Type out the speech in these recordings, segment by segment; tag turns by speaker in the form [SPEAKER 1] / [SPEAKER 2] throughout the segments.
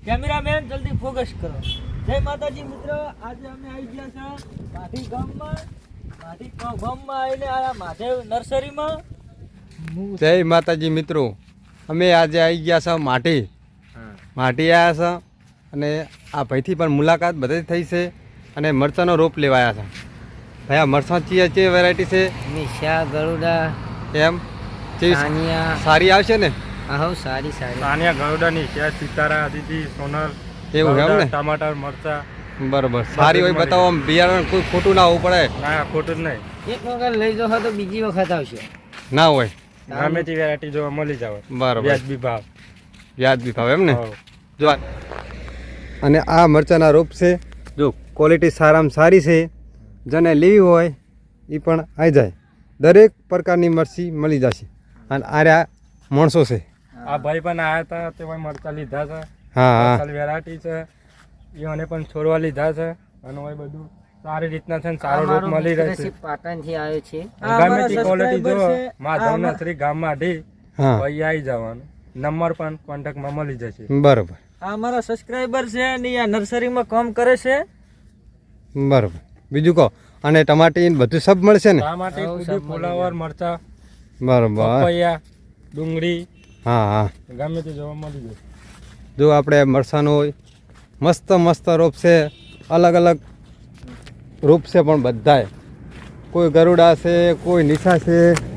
[SPEAKER 1] Cameraman જલ્દી focus કરો. જય માતાજી મિત્રો, આજે અમે આવી ગયા છે માઢી ગામમાં આવીને આ મહાદેવ નર્સરીમાં.
[SPEAKER 2] જય માતાજી મિત્રો, અમે આજે આવી ગયા છે માઢી આવ્યા છે અને આ ભાઈથી પણ મુલાકાત બધી થઈ છે અને મરચાંનો રોપ લેવાયા છે. ભાઈ આ મરચાં ચી વેરાયટી છે?
[SPEAKER 3] નિશા ગરુડા
[SPEAKER 2] એમ
[SPEAKER 3] સાનિયા
[SPEAKER 2] સારી આવશે ને?
[SPEAKER 3] આહો સારી
[SPEAKER 4] સાનિયા ગરુડાની છે, સિતારા, અદિતિ, સોનલ,
[SPEAKER 2] એવું એમ ને?
[SPEAKER 4] ટમાટર, મરચા
[SPEAKER 2] બરોબર, સારી હોય બતાવો. આમ બિયારણ કોઈ ખોટું ના હોવું પડે.
[SPEAKER 4] ના, ખોટું જ નહીં.
[SPEAKER 3] એક વખત લઈ જાઓ તો બીજી વખત આવશે.
[SPEAKER 2] ના હોય,
[SPEAKER 4] ગમે તે વેરાયટી જોવા મળી જાવ.
[SPEAKER 2] બરોબર,
[SPEAKER 4] વ્યાજબી ભાવ.
[SPEAKER 2] વ્યાજબી ભાવ એમ ને?
[SPEAKER 4] હોવ.
[SPEAKER 2] જો અને આ મરચાંના રોપ છે. જો ક્વોલિટી સારામાં સારી છે, જેને લેવી હોય એ પણ આવી જાય. દરેક પ્રકારની મરચી મળી જશે. અને આ માણસો છે.
[SPEAKER 4] આ ભાઈ પણ આયા હતા, તે મરચા લીધા છે.
[SPEAKER 2] હા હા,
[SPEAKER 4] વેરાયટી છે, એને પણ છોડવા લીધા છે. અને હવે બધું સારી રીતના છે ને સારો રોપ મળી રહે છે.
[SPEAKER 3] પાટણ થી આવ્યો છે.
[SPEAKER 4] ગમે તે ક્વોલિટી જો માધવ નર્સરી ગામ માઢી
[SPEAKER 2] હા,
[SPEAKER 4] ભાઈ આવી જવાનું. નંબર પણ કોન્ટેક્ટમાં મળી જશે.
[SPEAKER 2] બરોબર
[SPEAKER 1] આ અમારા સબસ્ક્રાઇબર છે અને આ નર્સરીમાં કામ કરે છે.
[SPEAKER 2] બરોબર. બીજું કહો. અને ટમાટી ને બધું સબ મળશે ને?
[SPEAKER 4] ટમાટી, કુદી, ફુલાવર, મરચા,
[SPEAKER 2] બરોબર.
[SPEAKER 4] પપૈયા, ડુંગળી,
[SPEAKER 2] હા હા,
[SPEAKER 4] ગમે તે જોવા મળી જશે.
[SPEAKER 2] જો આપણે મરસાનો હોય મસ્ત મસ્ત રોપ છે. અલગ અલગ રોપ છે પણ બધાય. કોઈ ગરુડા છે, કોઈ નિશા છે,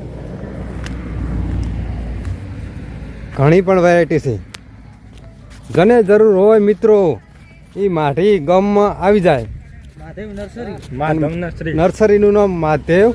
[SPEAKER 2] ઘણી પણ વેરાયટી છે. જેને જરૂર હોય મિત્રો એ માઢી ગામમાં આવી જાય.
[SPEAKER 1] મહાદેવ નર્સરી.
[SPEAKER 4] માધવ નર્સરી.
[SPEAKER 2] નર્સરીનું નામ માધવ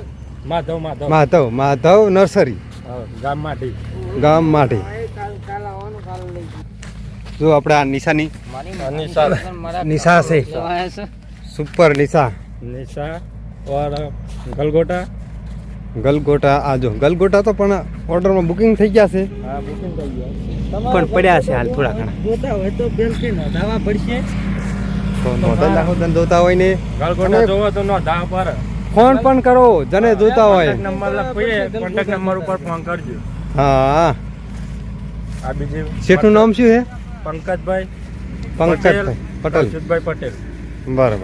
[SPEAKER 2] નર્સરી,
[SPEAKER 4] ગામ માઢી.
[SPEAKER 2] ગામ માઢી.
[SPEAKER 3] કાલ આવવાનું, કાલ લઈ
[SPEAKER 2] જો આપણે આ નિશાની નિશા છે,
[SPEAKER 3] જવાય
[SPEAKER 2] સુપર નિશા.
[SPEAKER 4] નિશા ઓર ગલગોટા.
[SPEAKER 2] ગલગોટા. આ જો ગલગોટા તો પણ ઓર્ડરમાં બુકિંગ થઈ ગયા છે,
[SPEAKER 4] હા, બુકિંગ થઈ ગયા.
[SPEAKER 2] પણ પડ્યા છે હાલ થોડા ઘણા.
[SPEAKER 1] જોતા હોય તો પહેલથી નોંધાવા પડશે.
[SPEAKER 2] તો નોંધાઈ નાખો તને જોતા હોય ને.
[SPEAKER 4] ગલગોટા જોવો તો નો ધા પર
[SPEAKER 2] ફોન પણ કરો જેને જોતા હોય.
[SPEAKER 4] નંબર લખીએ, કોન્ટેક્ટ નંબર ઉપર ફોન કરજો.
[SPEAKER 2] હા.
[SPEAKER 4] આ બીજી
[SPEAKER 2] શેઠનું નામ શું છે?
[SPEAKER 4] પંકજભાઈ
[SPEAKER 2] પંકજભાઈ પટેલ.
[SPEAKER 4] અચ્યુતભાઈ પટેલ.
[SPEAKER 2] બરાબર.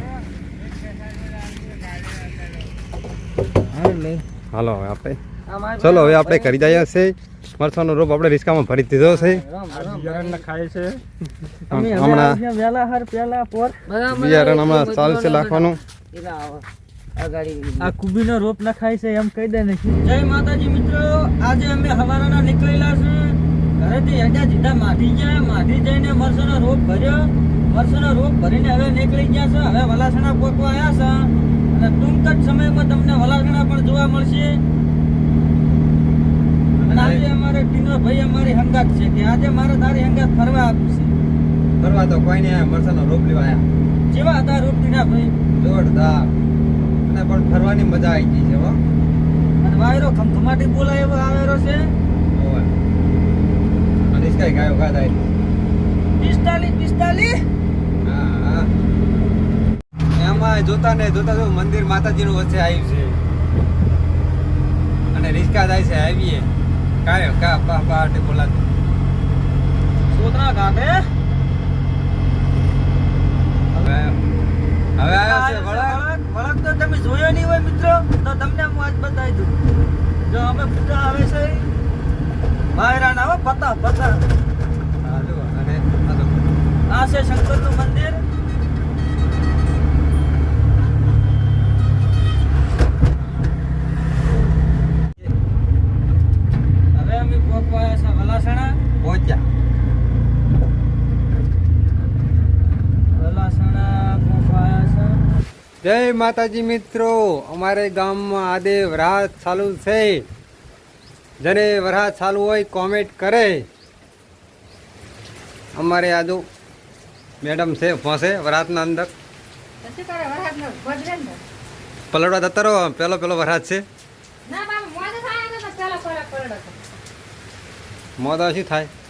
[SPEAKER 3] લઈ.
[SPEAKER 2] હાલો હવે આપણે ચલો હવે આપણે કરી જઈએ છે. મરચાંનો રોપ આપણે રિસ્કામાં ભરી દીધો છે.
[SPEAKER 4] આ બિયારણ ખાય છે.
[SPEAKER 2] હમણાં
[SPEAKER 1] વેલા હર પેલા પોર
[SPEAKER 2] બિયારણ હમણાં ચાલશે લાખવાનું.
[SPEAKER 1] આ કુબીનો રોપ નખાય છે એમ કહી દે ને. જય માતાજી મિત્રો, આજે અમે હવારના નીકળેલા છે ઘરેથી હેડા સીધા માઢી ગયા. માઢી જઈને મરચાંનો રોપ ભર્યો. મરચાંનો રોપ ભરીને હવે નીકળી ગયા છે. હવે વલાસણા પોકવા આવ્યા છે અને ટૂંક જ સમયમાં તમને વલાસણા પણ જોવા મળશે. અને આજે અમારે ટીનો ભાઈ અમારી હંગાત છે કે આજે મારે તારી હંગાત ફરવા આપશે.
[SPEAKER 2] ફરવા તો કોઈ નહીં, મરચાંનો રોપ લેવા આવ્યા.
[SPEAKER 1] જેવા હતા રોપ ટીના ભાઈ?
[SPEAKER 2] જોરદાર. અને પણ ફરવાની મજા આવી ગઈ છે. હો,
[SPEAKER 1] અને વાયરો ખમખમાટી બોલાય એવો આવેલો છે.
[SPEAKER 2] અને કઈ ગાયો ગા થાય.
[SPEAKER 1] 45.
[SPEAKER 2] હા, એમાં જોતા ને જોતા જો મંદિર માતાજીનું વચ્ચે આવ્યું છે અને રિસ્કા જાય છે. આવીએ કાયો કા પાટે બોલાતું
[SPEAKER 1] સોતરા ઘાટે
[SPEAKER 2] હવે આવ્યો છે વળાંક.
[SPEAKER 1] વળાંક તો તમે જોયો નહીં હોય મિત્રો, તો તમને હું આજ બતાવી દઉં. જો અમે પૂજા આવે છે વાયરાના આવે પતા.
[SPEAKER 2] હા, જો અને આ તો
[SPEAKER 1] આ છે શંકરનું મંદિર. હવે અમે પહોંચવા આવ્યા છે વલાસણા.
[SPEAKER 2] પહોંચ્યા.
[SPEAKER 1] વલાસણા પહોંચવા આવ્યા છે.
[SPEAKER 2] જય માતાજી મિત્રો, અમારે ગામમાં આજે વરસાદ ચાલુ છે. જેને વરસાદ ચાલુ હોય કોમેન્ટ કરે. અમારે આજુ મેડમ છે ફસે વરસાદના અંદર પલડવા જતા રહો. પેલો વરસાદ છે. મોદા શું થાય?